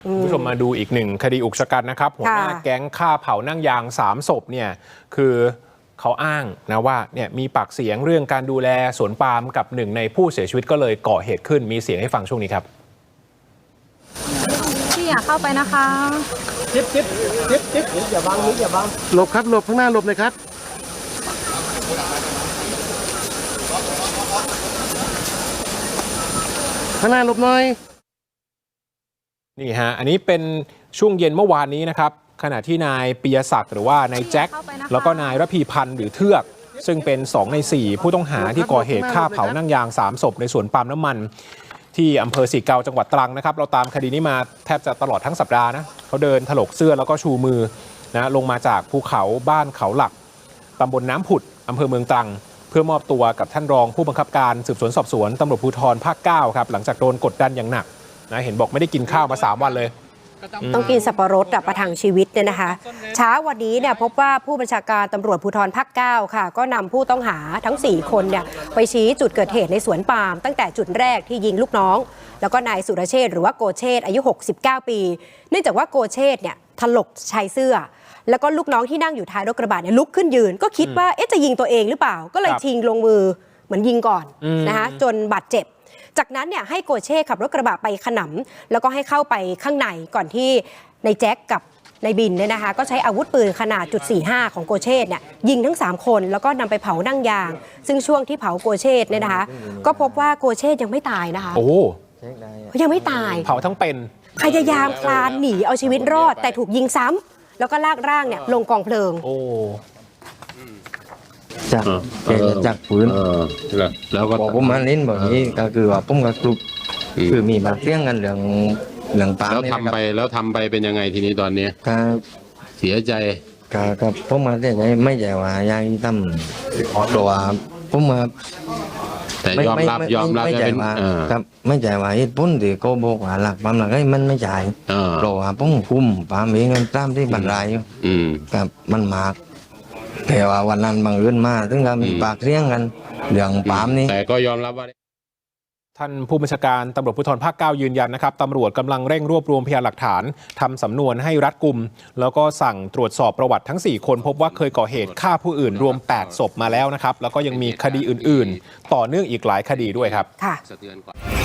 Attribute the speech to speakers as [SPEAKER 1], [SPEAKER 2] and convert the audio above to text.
[SPEAKER 1] คุณผู้ชมมาดูอีกหนึ่งคดีอุกชะกันนะครับหัวหน้าแก๊งฆ่าเผานั่งยาง3 ศพเนี่ยคือเขาอ้างนะว่าเนี่ยมีปากเสียงเรื่องการดูแลสวนปาล์มกับหนึ่งในผู้เสียชีวิตก็เลยก่อเหตุขึ้นมีเสียงให้ฟังช่วงนี้ครับ
[SPEAKER 2] พี่อยากเข้าไปนะคะ
[SPEAKER 3] จิ๊บอย่าบังนิดอย่าบังหลบครับหลบข้างหน้าหลบเลยครับข้างหน้าหลบหน่อย
[SPEAKER 1] นี่ฮะอันนี้เป็นช่วงเย็นเมื่อวานนี้นะครับขณะที่นายปิยศักดิ์หรือว่านายแจ็คแล้วก็นายระพีพันธ์หรือเทือกซึ่งเป็น2 ใน 4ผู้ต้องหาที่ก่อเหตุฆ่าเผานั่งยาง3 ศพในสวนปาล์มน้ำมันที่อำเภอสีเกาจังหวัดตรังนะครับเราตามคดีนี้มาแทบจะตลอดทั้งสัปดาห์นะเขาเดินถลกเสื้อแล้วก็ชูมือนะลงมาจากภูเขาบ้านเขาหลักตำบลน้ำผุดอำเภอเมืองตรังเพื่อมอบตัวกับท่านรองผู้บังคับการสืบสวนสอบสวนตำรวจภูธรภาค 9ครับหลังจากโดนกดดันอย่างหนักนะเห็นบอกไม่ได้กินข้าวมา3 วันเลย
[SPEAKER 4] ต้องกินสับปะรดประทังชีวิตเนี่ยนะคะเช้าวันนี้เนี่ยพบว่าผู้บัญชาการตำรวจภูธรภาค 9ค่ะก็นำผู้ต้องหาทั้ง4 คนเนี่ยไปชี้จุดเกิดเหตุในสวนปาล์มตั้งแต่จุดแรกที่ยิงลูกน้องแล้วก็นายสุรเชษฐ์หรือว่าโกเชษฐ์อายุ69 ปีเนื่องจากว่าโกเชษฐ์เนี่ยถลกชายเสื้อแล้วก็ลูกน้องที่นั่งอยู่ท้ายรถกระบะเนี่ยลุกขึ้นยืนก็คิดว่าจะยิงตัวเองหรือเปล่าก็เลยชิงลงมือเหมือนยิงก่อนนะคะจนบาดเจ็บจากนั้นเนี่ยให้โกเช่ขับรถกระบะไปขนำแล้วก็ให้เข้าไปข้างในก่อนที่นายแจ็คกับนายบินเนี่ยนะคะก็ใช้อาวุธปืนขนาด.45ของโกเช่เนี่ยยิงทั้ง3 คนแล้วก็นำไปเผานั่งยางซึ่งช่วงที่เผาโกเช่เนี่ยนะคะก็พบว่าโกเช่ยังไม่ตายนะคะ
[SPEAKER 1] โอ้
[SPEAKER 4] ยังไม่ตาย
[SPEAKER 1] เผาทั้งเป็น
[SPEAKER 4] พยายามคลานหนีเอาชีวิตรอดแต่ถูกยิงซ้ำแล้วก็ลากร่างเนี่ยลงกองเพลิง
[SPEAKER 3] จากปืนแล้วก็ผมมาเล่นแบบนี้ก็คือว่าผมกับกลุ่มคือมีบางเรื่องกันเรื่องปา
[SPEAKER 5] แล้วทำไปเป็นยังไงทีนี้ตอนนี้เสียใจ
[SPEAKER 3] กับผมมาเสียใจไม่ใช่ว่ายายตั้มตัวผมมา
[SPEAKER 5] แต่ยอมรับ
[SPEAKER 3] ไม่ใช่ว่าครับไม่ใช่ว่าเหตุผลที่โกบอกว่าหลักปั๊มหลักมันไม่ใช่เพราะว่าผมคุมปั๊มเองกันตามที่บรรลัยอยู่กับมันมากแต่ว่าวันนั้นบังเอิญมาถึงกับมีปากเสียงกันเรื่องปามนี้
[SPEAKER 5] แต่ก็ยอมรับว่า
[SPEAKER 1] ท่านผู้บัญชาการตำรวจภูธรภาค 9ยืนยันนะครับตำรวจกำลังเร่งรวบรวมพยานหลักฐานทำสำนวนให้รัดกุมแล้วก็สั่งตรวจสอบประวัติทั้ง4 คนพบว่าเคยก่อเหตุฆ่าผู้อื่นรวม8 ศพมาแล้วนะครับแล้วก็ยังมีคดีอื่นๆต่อเนื่องอีกหลายคดีด้วยครับ